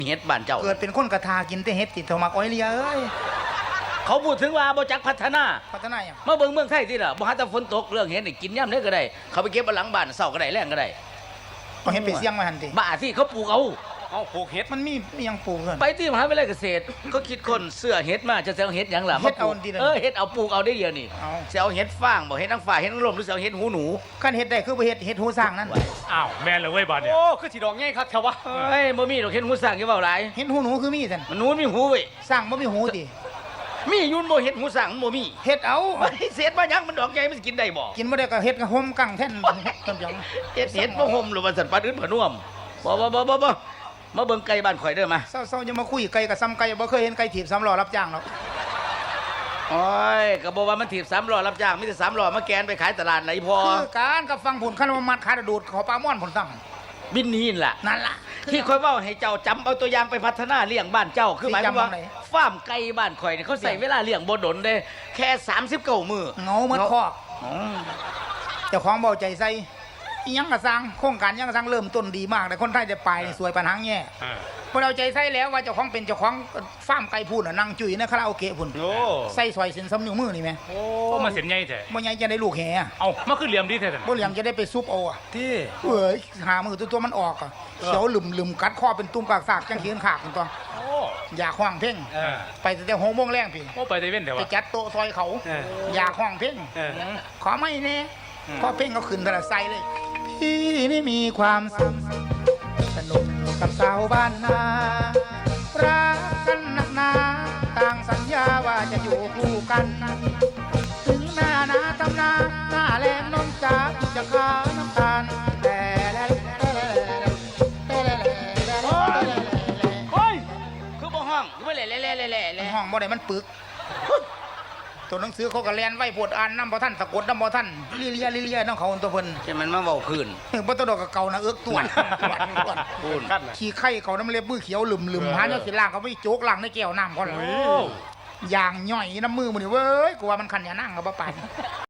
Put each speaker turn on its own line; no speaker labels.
เฮ็ดบ้านเจ้า
เกิดเป็นคนกระทากินแต่เฮ็ดติดโทมักอ้อยเลียเอ้ย
เขาพูดถึงว่าบ่จักพัฒนา
พัฒนาอย่าง
มาเบิ่งเมืองไทยที่ล่ะบ่หาแต่ฝนตกเรื่องเฮ็ดนี่กินย่ำได้ก็ได้เขาไปเก็บเอาหลังบ้านเช้าก็ได้แรงก็ได้
ก็เฮ็ดไปเสี่ยงมาหันติ
บ้าที่เขาปลูกเอา
เอาปลูกเห็ด
มันมีอยังปลูกเพิ่น
ไปที่มหาวิทยาลัยเกษตรก็คิดคนเสื้อเฮ็ดมาจะเอาเฮ็ดหยังล่ะ
เฮ็ดเอา
มปลูก
ดีเลย
เฮ็ดเอาปลูกเอาได้เดียวนี่
เอา
สิเอาเฮ็ดฟางบ่เฮ็ดนางฟ้าเฮ็ดนางลมหรือสิเอาเฮ็ดหูหนู
คันเฮ็ดได้คือบ่เฮ็ดหูสร้างนั่น
อ้าวแม่นเลยเว้ยบาดเนี่ยโอ้คือสีดอกง่ายครับแถววะ
เอ้ยบ่มีดอกเฮ็ดหูสร้างอย่าเว้าหลาย
เฮ็ดหูหนูคือมีซั่น
มันหนูมีหูเว้ย
สร้างบ่มีหูติ
มีอยุ่นบ่เฮ็ดหูสร้างมันบ่มี
เฮ็ดเอา
ไอ้เศษมาหยังมันดอกใหญ่มันสิกินได้บ่
กินบ่ได้ก็เฮ็ดกับห่มกังแท่นต้นหยัง
เฮ็ดบ่ห่มหรือว่าสันปลาอื่นผน่วมบ่มาเบิ่งไก่บ้านข่อยเด้อมา
เศร้าๆจะมาคุยไก่กับซ้ำไก่บ่เคยเห็นไก่ถีบ3ล้อรับจ้างหรอก
โอ้ยก็บอกว่ามันถีบ3ล้อรับจ้างมีแต่3ล้อมาแกนไปขายตลาดไหนพอ
คือการกับฟังผลคันว่ามัดขาดดูดขอปลาม่อนผลซ้ำ
บินนี่ล่ะ
นั่นล่ะ
ที่ค่อยเว้าให้เจ้าจำเอาตัวอย่างไปพัฒนาเลี้ยงบ้านเจ้าคือหมายความว่า
สิจำเอาไหน
ฟาร์มไก่บ้านข่อยนี่เขาใส่เวลาเลี้ยงบ่ดนเด้แค่39มื้อ
เงาเหมือนคอก
อ๋อ
เจ้าของเบาใจใส่อิหยังกระสังโครงการอิหยังกระสังเริ่มต้นดีมากแต่คนไทยจะไปนี่สวยปัญหาแง่
อ่า
พอเราใจใส่แล้วว่าเจ้าของเป็นเจ้าของฟาร์มไก่พูนน่ะนั่งจุ๋ยในคาราโอเกะพุ่น
โอ้
ใส่ซอยเส้นซ้ำนิ้วมือนี่แม่
โอ้มาเสียนใหญ่แท้
บ่ใหญ่จะได้ลูกแห่อะ
เอามาขึ้นเหลี่ยมดีแท้
บ่เหลี่ยมจะได้ไปซุปเอาอะ
ที่
เอ้ยหามือตัวมันออกอะเขียวหลึมกัดคอเป็นตุ้มกากสากจังเขียนขากตัว
โอ้
อยากห้องเพ่ง
เออ
ไปแต่6 โมงแรงพี่
โอ้ไปไต้เว้นแถว
ไป
วะ
จัดโต๊ะซอยเขา
เออ
อยากห้องเพ่ง
เออ
ขอไม่แน่พอเพ่งเขาขึ้นแต่ละไซเลย พี่นี่มีความสุขสนุกกับสาวบ้านนารักกันนักหนาต่างสัญญาว่าจะอยู่คู่กัน ถึงหน้านาตำนาหน้าแลมนมจ๋าจะขาน้ำตาลแต่แล้ว
โอ้ยคือบ่ห้องคือบ่แหล่
ห้องบ่ได้มันปึก ตัวหนังสือเขาก็แลนไว้ปวดอ่านน้ำบ่ท่านสะกดน้ำบ่ท่านลิเลียน้องเขาตัวเพิ่น
ใช่มันมาเว้าคืน
บ่ต้องดอกกับเก่านะเอิกตัว
พูน
ขั้นน่ะ
ขี้ไข่เขาน้ำเล็บมือเขียวหลึมหาเนาะสิล่างเขาไม่โจกล่างในแก้วน้ำเขาล่ะ
โอ้
อย่างย่อยน้ำมือมันนี่เว้ยกูว่ามันขันอย่านั่งกับบ่ปาน